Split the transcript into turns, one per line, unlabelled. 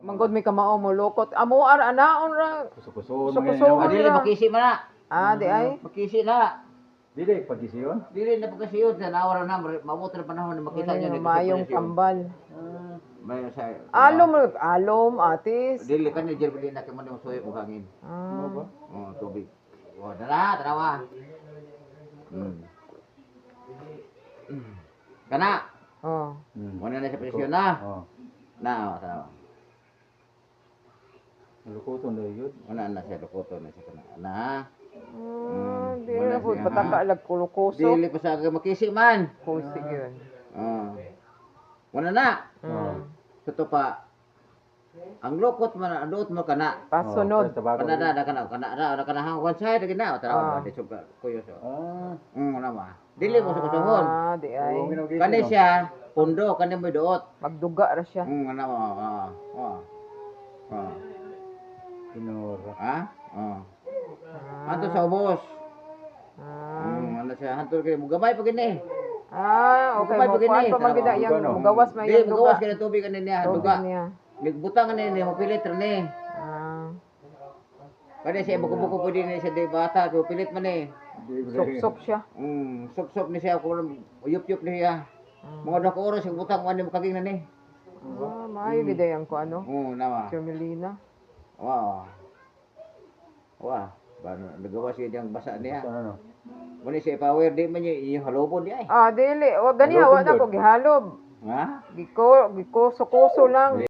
Manggod may kamao mo lokot. Amo ara anaon ra.
Kuso-kuso.
Kuso-kuso.
Dili makisi man na.
Di ay.
Makisi na.
Dili, pagkisiyon.
Dili na pagkasiyon sa nawara na mabuti na panahon na makita niyo
Ano, mayong kambal.
May sa
Alom, atis.
dili kan ni Jerby na kay mo suyo og hangin.
Ano ba?
Oh, tubig. Oh, dala, tarawa. Kana,
Oh.
muna na sa presyon na.
Oh.
Na, tarawa.
Nalukuton daw yun.
Muna na siya lukoto na siya kana. Na.
Di
Wala
na po.
siya,
Pataka
ha?
lag kulukoso.
Dili pa sa makisi man.
Kusig yun.
Oh. Muna na. Tuto pa. Ang lukot man adot mo kana.
Pasunod.
Kana na kana hangwan sa dagin na tara ba di suga kuyo so. Wala ma. Dili mo sa kusuhon.
Di ay.
Kani siya pundo kani mo duot.
Magduga ra siya.
Ano mo.
Pinura.
Ha? Hanto sa ubos. Ano siya hanto kay mo gamay pa gini.
Okay.
Gamay pa
Kuan
gini.
pa man gid yang mugawas may
Di
yung
mugawas
duga.
kay tubig kani niya
Tubig
duga.
niya.
Nagbutang kani mo pilit ra ni. Kani siya buko-buko pwede ni siya di bata ko pilit man ni.
Sup-sup siya.
Sup-sup ni siya ko uyup-yup ni siya. Mga dako oras yung butang man ni makaging na ni.
Maayo gid yang ko ano.
Nawa.
Carmelina.
Wow. Wah, bano nagawa siya diyang basa niya.
Ano?
Muni siya power di man yung halobon di ay.
Dili, wa gani wa na ko gihalob.
Ha?
Giko, sukuso lang.